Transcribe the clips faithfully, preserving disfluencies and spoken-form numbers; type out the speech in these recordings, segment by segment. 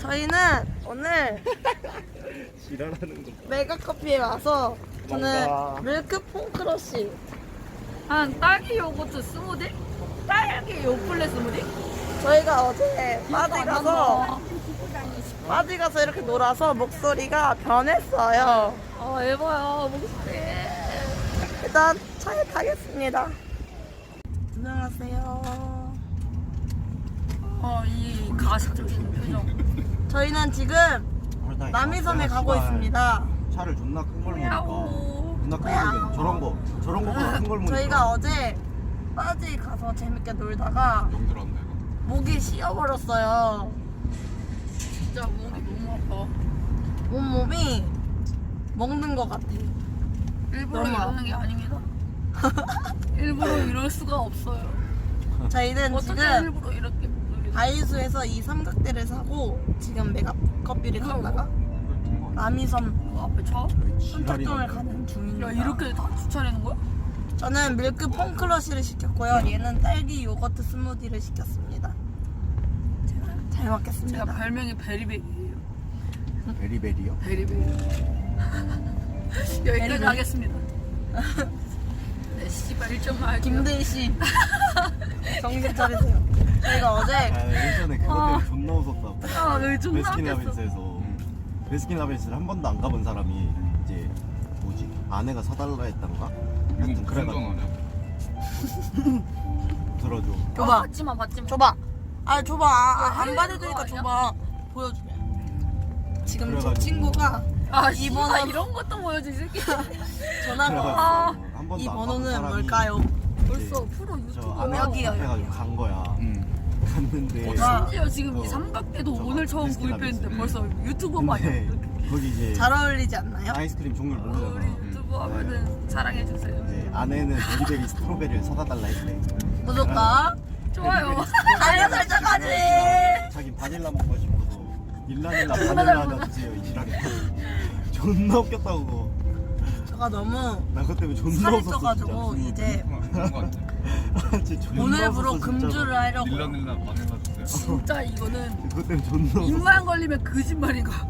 저희는 오늘 지랄하는 거. 메가커피에 와서 저는 뭔가. 밀크 퐁크러쉬 한 딸기 요거트 스무디? 딸기 요플레 스무디? 저희가 어제 빠지 가서 빠지 가서 이렇게 놀아서 목소리가 변했어요. 아 에바야 목소리. 일단 차에 타겠습니다. 안녕하세요. 어이 가식적인 표정. 저희는 지금 남이섬에 가고 있습니다. 차를 존나 큰 걸 모니까 야오. 존나 큰 걸게 저런 거 저런 거보다 큰 걸 모니까 저희가 어제 빠지 가서 재밌게 놀다가 목이 씌어버렸어요. 진짜 목이 너무 아파. 온몸이 먹는 것 같아. 일부러 너무 이러는 게 아닙니다. 일부러 이럴 수가 없어요. 저희는 어떻게 지금 일부러 이렇게 놀리지? 다이소에서 이 삼각대를 사고 지금 메가커피를 갔다가 남이섬 앞에 차? 선착동을 가는 중입니다. 야 이렇게 다 주차하는 거야? 저는 밀크 퐁크러쉬를 시켰고요. 얘는 딸기 요거트 스무디를 시켰습니다. 잘 제가 먹겠습니다. 별명이 베리베리예요. 베리베리요? 베리베리. 여기까지 베리베리. 하겠습니다. 네 씨발 일점만 할게요. 김대희 씨 정신 차리세요. 저희가 어제 아 예전에 그것 때문에 존나 웃었다고. 아 여기 존나 웃겼어. 베스킨라빈스에서 베스킨라빈스를 한 번도 안 가본 사람이 이제 뭐지 아내가 사달라 했던가 하여튼 그래가지고 들어줘. 줘봐. 아, 받지마 받지마. 줘봐. 아 줘봐. 아, 안 해야 받아주니까 되는 거 줘봐. 보여주게. 지금 저 그래가지고. 친구가 아 이 이번 번호- 이런 것도 보여줘 이 새끼. 전화가 아, 그래가지고 한 번도 이 안 가본 번호는 사람이 뭘까요? 벌써 프로 저 유튜버. 아내 여기요, 앞에가지고 여기요. 간 거야. 갔는데 뭐가? 심지어 지금 어, 이 삼각대도 저거 오늘 처음 베스킨라빈스. 구입했는데 벌써 유튜버 근데 마냥. 거기 이제 잘 어울리지 않나요? 아이스크림 종류를 우리 모르잖아. 유튜버 하면은 사랑해 주세요. 이제 아내는 베리베리 스트로베리를 사다 달라 했대. 구독과 좋아요. 알림 설정까지. 자기 바닐라 먹고 싶어서 일라닐라 바닐라 하나 주세요 이 지랄이. 존나 웃겼다고 그거. 제가 너무 나 그것 때문에 존나 살이 웃었어 쪄가지고 진짜. 이제 아, 진짜 존나 오늘부로 웃었어, 금주를 진짜로. 하려고. 닐라닐라 바닐라 주세요. 진짜 이거는 그것 때문에 존나 웃었어. 입만 걸리면 거짓말인가.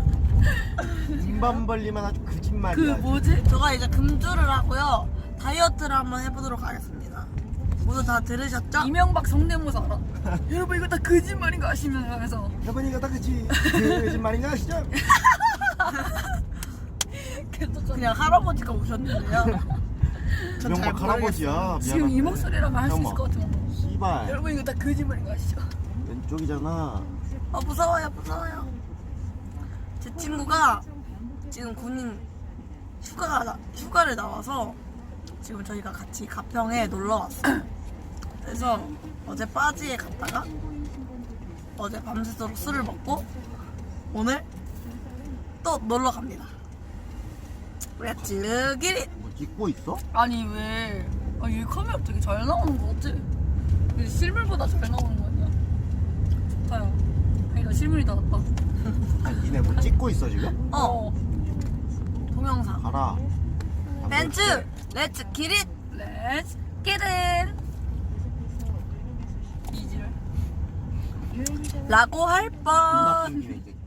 입만 벌리면 아주 그 거짓말이야. 뭐지? 제가 이제 금주를 하고요. 다이어트를 한번 해보도록 하겠습니다. 모두 다 들으셨죠? 이명박 성대모사 알아? 여러분 이거 다 거짓말인가 하시면 하면서 여보니까 다 그치 거짓말인가 아시죠? 계속 그냥 할아버지가 오셨는데요. 전 잘 명박 할아버지야. 모르겠어요. 지금 이 미안한데. 목소리라면 할 수 있을 잠깐만. 것 같은 거. 씨발 여러분 이거 다 거짓말인가 아시죠? 왼쪽이잖아. 어 무서워요, 무서워요. 제 친구가 지금 군인 휴가가 나- 휴가를 나와서 지금 저희가 같이 가평에 놀러 왔어요. 그래서 어제 빠지에 갔다가 어제 밤새도록 술을 먹고 오늘 또 놀러 갑니다. 렛츠 기릿! 뭐 찍고 있어? 아니 왜? 아, 이 카메라 되게 잘 나오는 거 같지? 이게 실물보다 잘 나오는 거 아니야? 좋다요. 아니다 실물이 더 낫다. 아, 니네 뭐 찍고 있어 지금? 어, 동영상. 가라. 벤츠! 렛츠 기릿! Let's get in. 이지를. 라고 할 존나 뻔. 끊기네 이 새끼.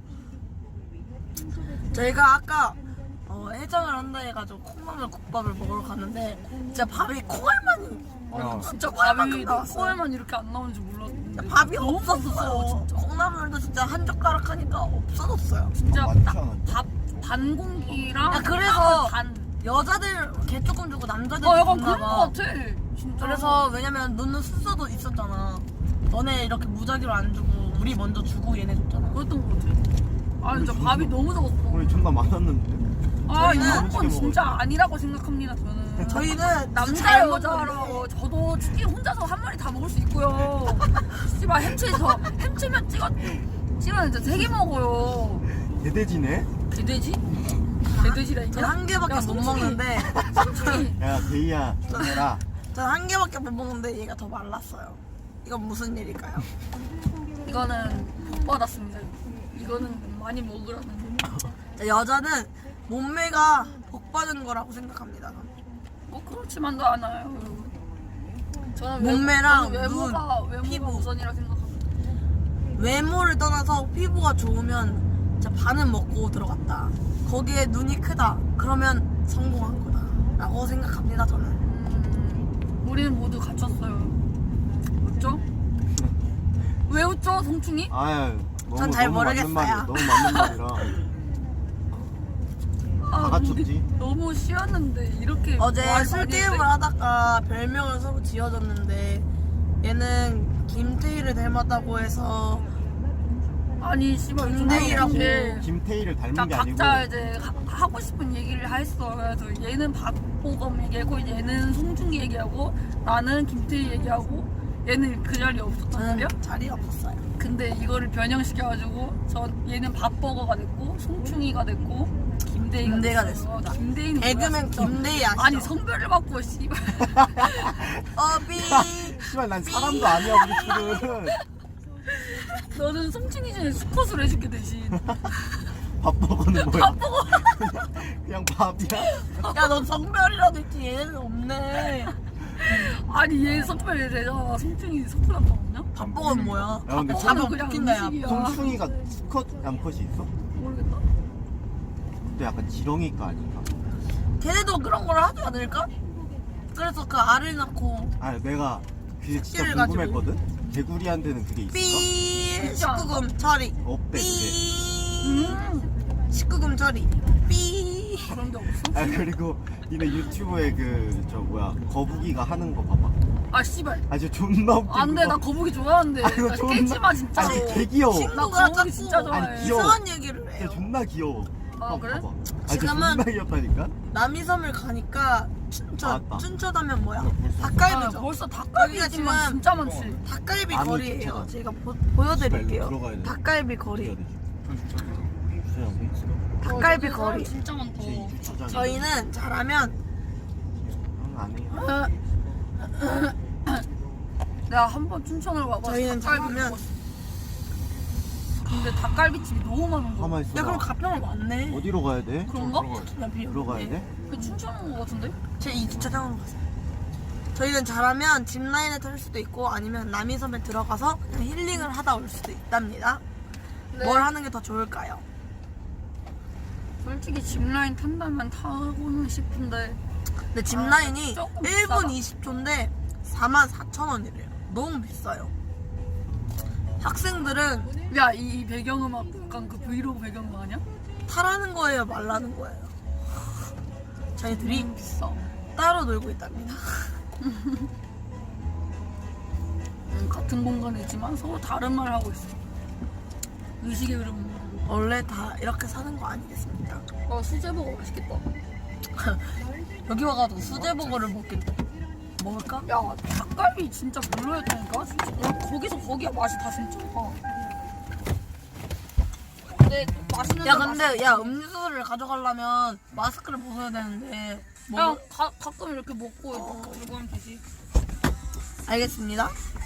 저희가 아까 어, 해장을 한다 해가지고 콩나물 국밥을 먹으러 갔는데 진짜 밥이 콩알만이 아, 야. 진짜 콩알만큼 밥이 나왔어요. 코에만 이렇게 안 나오는 줄 몰랐는데. 밥이 너무 없었어요. 맛있어요, 진짜. 콩나물도 진짜 한 젓가락 하니까 없어졌어요. 진짜 아, 많지 딱 않았죠? 밥 반 공기랑 야, 그래서 반. 여자들 개 조금 주고 남자들 어 약간 줬나 그런 거 봐. 같아. 진짜. 그래서 왜냐면 너는 순서도 있었잖아. 너네 이렇게 무작위로 안 주고 우리 먼저 주고 얘네 줬잖아. 그랬던 거 같아. 아 진짜 우리 밥이 존나- 너무 적었어. 우리 존나 많았는데. 아 저희는 이런 건 솔직히 진짜 먹어요. 아니라고 생각합니다 저는. 저희는 남자 잘 여자로 먹는데 저도 치킨 혼자서 한 마리 다 먹을 수 있고요. 씨발 햄치 저 햄치면 찍어 찍으면 진짜 세 개 먹어요. 개돼지네? 개돼지? 개돼지라니까? 전 한 개밖에 야, 못 솔직히- 먹는데 솔직히 야 데이야 좀 해라. 전 한 개밖에 못 먹는데 얘가 더 말랐어요. 이건 무슨 일일까요? 이거는 복 받았습니다. 이거는 많이 먹으라는. 자, 여자는 몸매가 복 받은 거라고 생각합니다. 뭐 그렇지만도 않아요. 여러분. 저는 몸매랑 외모, 저는 외모가 눈, 외모가 피부. 우선이라 생각합니다. 외모를 떠나서 피부가 좋으면 진짜 반은 먹고 들어갔다. 거기에 눈이 크다. 그러면 성공한 거다. 라고 생각합니다, 저는. 음, 우리는 모두 갇혔어요. 웃죠? 왜 웃죠, 송충이? 아유 너무 전잘 너무 맞는 모르겠어요. 말이야. 너무 맞는 말이라 다 아, 갖췄지. 우리 너무 쉬었는데 이렇게 어제 말 술 많이 게임을 했대? 하다가 별명을 서로 지어줬는데 얘는 김태희를 닮았다고 해서 아니 씨발 김대희라고. 근데 김태희를 닮은 자, 게 아니고 각자 이제 하, 하고 싶은 얘기를 했어. 그래서 얘는 박보검 얘기하고 얘는 송중기 얘기하고 나는 김태희 얘기하고 얘는 그 자리에 없었단 말이야. 저는 자리가 없었어요. 근데 이거를 변형시켜가지고 저 얘는 밥버거가 됐고 송충이가 됐고 김대희가, 김대희가 됐어요. 김대희는 개그맨 뭐야, 진짜. 김대희 아시죠? 아니 성별을 바꿔 씨발. 어비 씨발 난 사람도 아니야 우리 둘은. 너는 송충이 전에 수컷으로 해줄게 대신. 밥 먹어는 뭐야? 밥버거. 그냥 밥이야? 야넌 성별이라도 있지 얘는 없네. 아니 얘 성별 되잖아. 송충이 성별 안 나왔냐? 밥버거는 뭐야? 야 근데 밥버거는 잡아 그냥 웃긴다, 야. 음식이야. 송충이가 수컷 암컷이 있어? 모르겠다. 근데 약간 지렁이가 아닌가? 걔네도 그런 걸 하지 않을까? 그래서 그 알을 낳고 아 내가 그게 진짜 새끼를 가지고. 궁금했거든? 개구리한테는 그게 있을까? 삐 진짜. 십구 금 처리 없대 그게. 삐 음 십구 금 처리 삐 그런 게 없어? 아 그리고 니네 유튜브에 그 저 뭐야 거북이가 하는 거 봐봐. 아 씨발. 아 진짜 존나 웃긴 안돼 거. 나 거북이 좋아하는데. 아, 이거 나 존나- 깨지 마 진짜로. 아니 개 귀여워. 나 친구가 거북이 자꾸 진짜 좋아해. 아니, 귀여워. 이상한 얘기를 진짜 해요. 존나 귀여워. 아, 한번 그래? 봐봐. 아 진짜 지금은- 존나 귀엽다니까? 남이섬을 가니까 춘천 나왔다. 춘천하면 뭐야? 벌써- 아, 닭갈비죠. 벌써 닭갈비 여기가 집만 지금- 진짜 많지. 닭갈비 아니, 거리예요. 춘천. 제가 보, 보여드릴게요. 들어가야 돼. 닭갈비 거리. 해야 되지. 주차장 닭갈비 어, 거리. 진짜 많다. 제 주차장. 저희는 잘하면 안 해. 내가 한 번 춘천을 와봐서 저희는 닭갈비 잘하면- 먹었어. 근데 닭갈비집이 너무 많은 거야. 가만 있어. 야 그럼 가평을 왔네. 어디로 가야 돼? 그런가? 나 비어. 들어가야 돼? 그 춘천 온거 같은데? 제 이 주차장으로 가세요. 저희는 잘하면 짚라인에 탈 수도 있고 아니면 남이섬에 들어가서 그냥 힐링을 하다 올 수도 있답니다. 네. 뭘 하는 게 더 좋을까요? 솔직히 짚라인 탄다면 타고는 싶은데 근데 짚라인이 조금 일 분 비싸다. 이십 초인데 사만 사천 원이래요. 너무 비싸요. 학생들은 야 이 배경음악 약간 그 브이로그 배경음악 아니야? 타라는 거예요, 말라는 거예요. 저희들이 음, 비싸. 따로 놀고 있답니다. 음, 같은 공간이지만 서로 다른 말 하고 있어. 의식의 흐름. 원래 다 이렇게 사는 거 아니겠습니까? 어 수제버거 맛있겠다. 여기 와가지고 수제버거를 먹긴 먹을까? 야 닭갈비 진짜 별로였다니까. 진짜 야, 거기서 거기야 맛이 다 진짜. 근데 맛있는 야 데 근데 야 음료수를 가져가려면 마스크를 벗어야 되는데 뭐 그냥 가, 가끔 이렇게 먹고 이렇게 들고 하면 되지. 알겠습니다.